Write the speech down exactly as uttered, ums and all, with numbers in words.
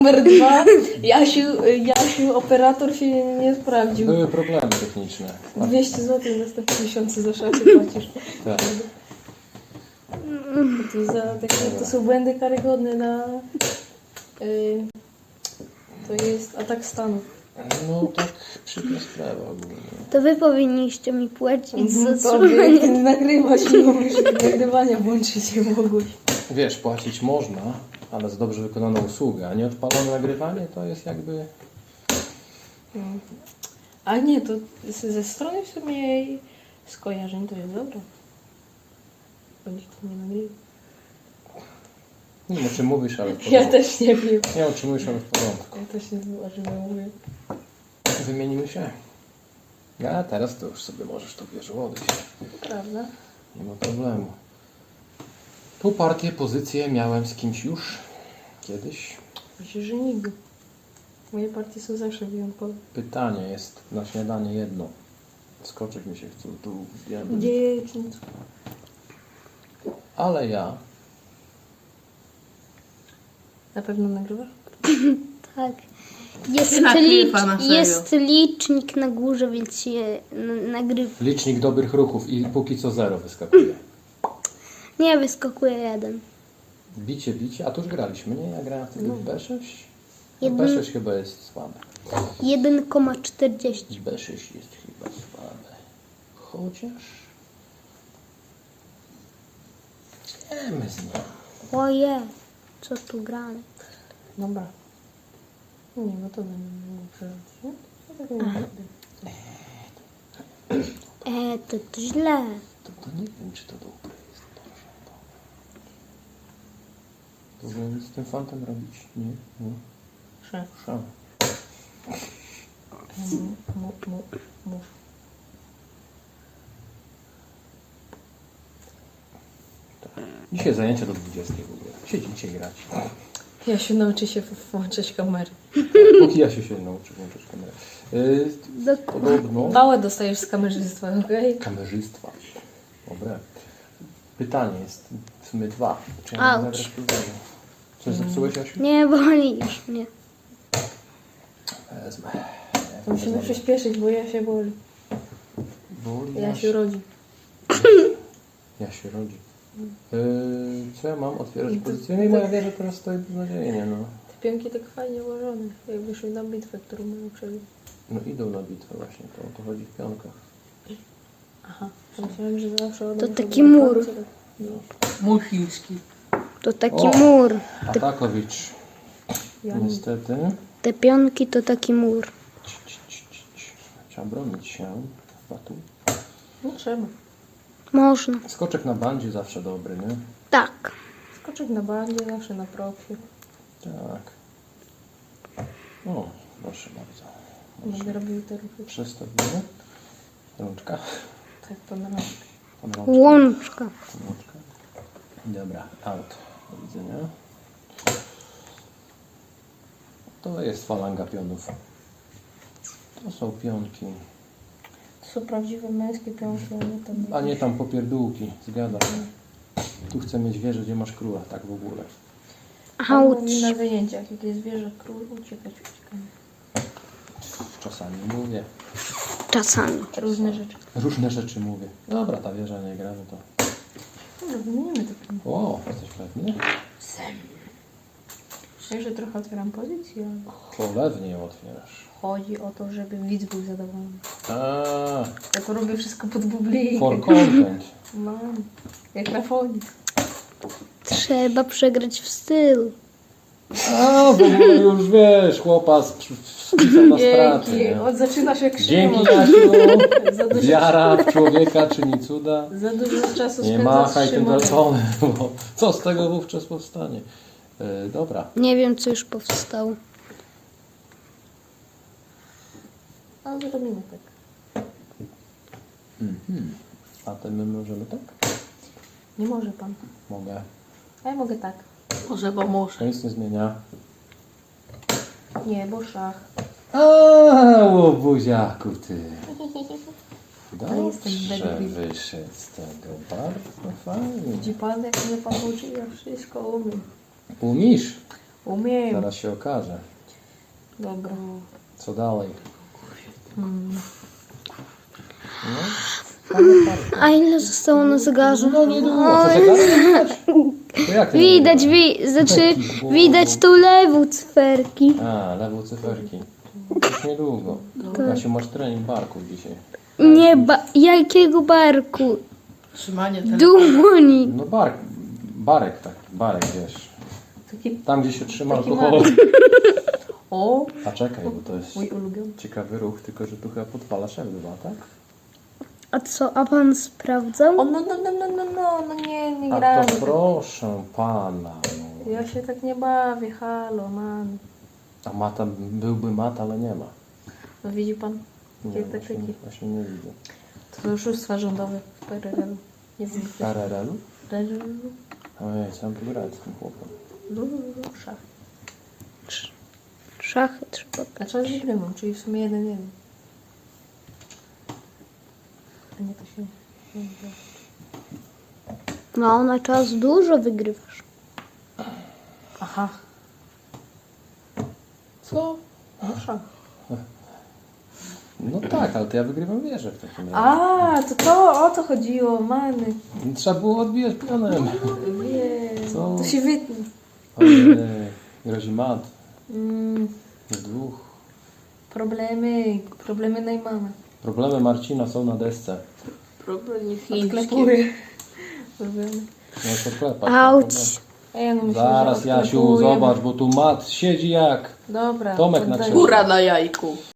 Numer dwa, Jasiu, Jasiu, operator się nie, nie sprawdził. Były problemy techniczne. dwieście złotych następne miesiące za szansę płacisz. Tak. To, za, takie, to są błędy karygodne na... Yy, to jest atak stanu. No tak przykra sprawa ogólnie. To wy powinniście mi płacić za To słuchanie. ty nagrywać nie mówisz, nagrywania włączyć nie mogłeś. Wiesz, płacić można, ale za dobrze wykonaną usługę, a nieodpalone nagrywanie to jest jakby... No. A nie, to z- ze strony w sumie jej skojarzeń to jest dobre. Bo nikt nie nagrywa. Nie wiem, o czym mówisz, ale w porządku. Ja też nie wiem. Nie wiem, o czym mówisz, ale w porządku. Ja też nie wiem, o czym ja mówię. Wymienimy się. Ja teraz to już sobie możesz to wiesz odejść. Prawda? Nie ma problemu. Tą partię, pozycję miałem z kimś już kiedyś. Myślę, że nigdy. Moje partie są zawsze wyjątkowe. Pytanie jest na śniadanie jedno. Skoczek mi się chce tu zjadać. Dziewczynco. Ale ja Na pewno nagrywasz? Tak. Jest, Ty na licz, klipa, na serio. jest licznik na górze, więc się n- nagrywa. licznik dobrych ruchów i póki co zero wyskakuje. Nie, wyskakuje jeden. Bicie, bicie, a tu już graliśmy, nie? Ja grałem wtedy w B sześć. No Jeden- B sześć chyba jest słabe. jeden przecinek czterdzieści. B sześć jest chyba słabe. Chociaż... Wiemy z nim. Oje, co tu gramy? Dobra. Nie, no to nie mogę przeżyć, nie? To tak nie będę. E, to, to źle. To, to nie wiem, czy to dobre jest. To powinien z tym fantem robić, nie? Nie. Prze. Szan. Mu, mu, mu. Dzisiaj zajęcia do dwudziestej w ogóle. Siedzicie grać. Ja się nauczę się w- włączać kamery. Póki ja się się nauczę włączyć kamerę. Yy, Do, podobno... Bałę dostajesz z kamerzystwa, okej? Kamerzystwa. Dobre. Pytanie jest w sumie dwa. Czy ja Auć. mogę zagrać później? Coś zepsułeś, Asiu? nie boli już mnie. Wezmę. To musimy przyspieszyć, bo ja się boli. Boli Ja się rodzi. Ja się rodzi. Yy, co ja mam? Otwierać To- pozycję. No i moja wieża teraz stoi beznadziejnie, no. Te pionki tak fajnie ułożone, jakby szły na bitwę, którą mają przebić. No idą na bitwę właśnie, to o to chodzi w pionkach. Aha, to myślałem, że zawsze To one taki są na mur. końcu, tak- no. Musiński. To taki O! mur. Atakowicz. Ja nie. Niestety. Te pionki to taki mur. Ci, ci, ci, ci, ci. Trzeba bronić się. Chyba tu. Nie trzeba. Można. Skoczek na bandzie zawsze dobry, nie? Tak. Skoczek na bandzie, zawsze na profiu. Tak. O, proszę bardzo. Będę robił te ruchy. Przestawimy. Rączka. Tak, pan robi. Pan rączka. Łączka. Rączka. Dobra, out. Do widzenia. To jest falanga pionów. To są pionki. To są prawdziwe męskie pionki, a nie tam... A nie tam popierdółki. Zgadza się. Tu chcę mieć wieżę, gdzie masz króla. Tak w ogóle. Auć. Auć. Na wyjęciach, jak jest wieża, król, uciekać, uciekamy. Czasami mówię. Czasami. Różne rzeczy. Różne rzeczy mówię. Dobra, ta wieża nie gra, no to... Dobra, wymienimy to pionki. O, jesteś pewny? Sem. Myślę, że trochę otwieram pozycję, ale Cholewnie ją otwierasz. chodzi o to, żeby widz był zadowolony. A, Ja to robię wszystko pod publikę. for content. Mam. Jak Rafonik. Trzeba przegrać w stylu. A, bo już wiesz, chłopa spisał na straty, Dzięki. nie? Od zaczynasz jak Dzięki, Szymon. Jasiu. Za dużo, Wiara w człowieka czyni cuda. za dużo czasu Nie spędzasz machaj z tym Szymonem. telefonem, bo co z tego wówczas powstanie? E, dobra. Nie wiem, co już powstało. A zrobimy tak. Mhm. A to my możemy tak? Nie może pan. Mogę. A ja mogę tak. Może, bo muszę. To nic nie zmienia. Nie, bo szach. A, łobuziaku ty. Ale jestem Dobrze bedwy. wyszedł z tego. Bardzo fajnie. Widzi pan, jak mnie pan uczy? Ja wszystko umiem. Umisz? Umiem. Zaraz się okaże. Dobra. Co dalej? Mm. No, fajne partie. A ile zostało na zegarze? No niedługo, co zegarek? To jak ty Widać, nagrywasz? wi znaczy, Taki, bo- widać tu lewą cyferki. A, lewo cyferki. Już niedługo. Kasiu, masz trening barków dzisiaj. Nie, ba jakiego barku? Trzymanie telefonu. Dłoni. No bark, barek taki, barek wiesz. Taki... Tam gdzie się trzyma Taki alkohol. O, A czekaj, bo to jest mój ulubiony. ciekawy ruch, tylko że tu chyba podpalasz F dwa, tak? A co, a pan sprawdzał? O, no, no, no, no, no, no, no nie, nie A gramy. to proszę pana. No. Ja się tak nie bawię, halo, man. A mata, byłby mat, ale nie ma. No widzi pan? Nie, Takie właśnie, taktyki. właśnie nie widzę. To oszustwa rządowe w P R L. Nie wiem, W R R L-u? P R L. Ojej, co mam tu grać z tym chłopem? No, no, no, szach. Szachy trzeba. A czas wygrywam, czyli w sumie jeden jeden. A nie, to się... nie gra. No, na czas dużo wygrywasz. Aha. Co? No szach. No tak, ale to ja wygrywam wieżę w takim razie. A, to to o to chodziło, many. Trzeba było odbijać pionem. Wie, Co? to się wytnie. Ojej, grozi mat. Mm, Z dwóch. problemy, problemy Najmana. Problemy Marcina są na desce. Problemy chińskie. Odklepuję. Problemy. No to klepać. Auć. A ja no myślę, Zaraz że Jasiu, odklepuję. zobacz, bo tu mat siedzi jak Dobra. Tomek to na daj. księżycu. Góra na jajku.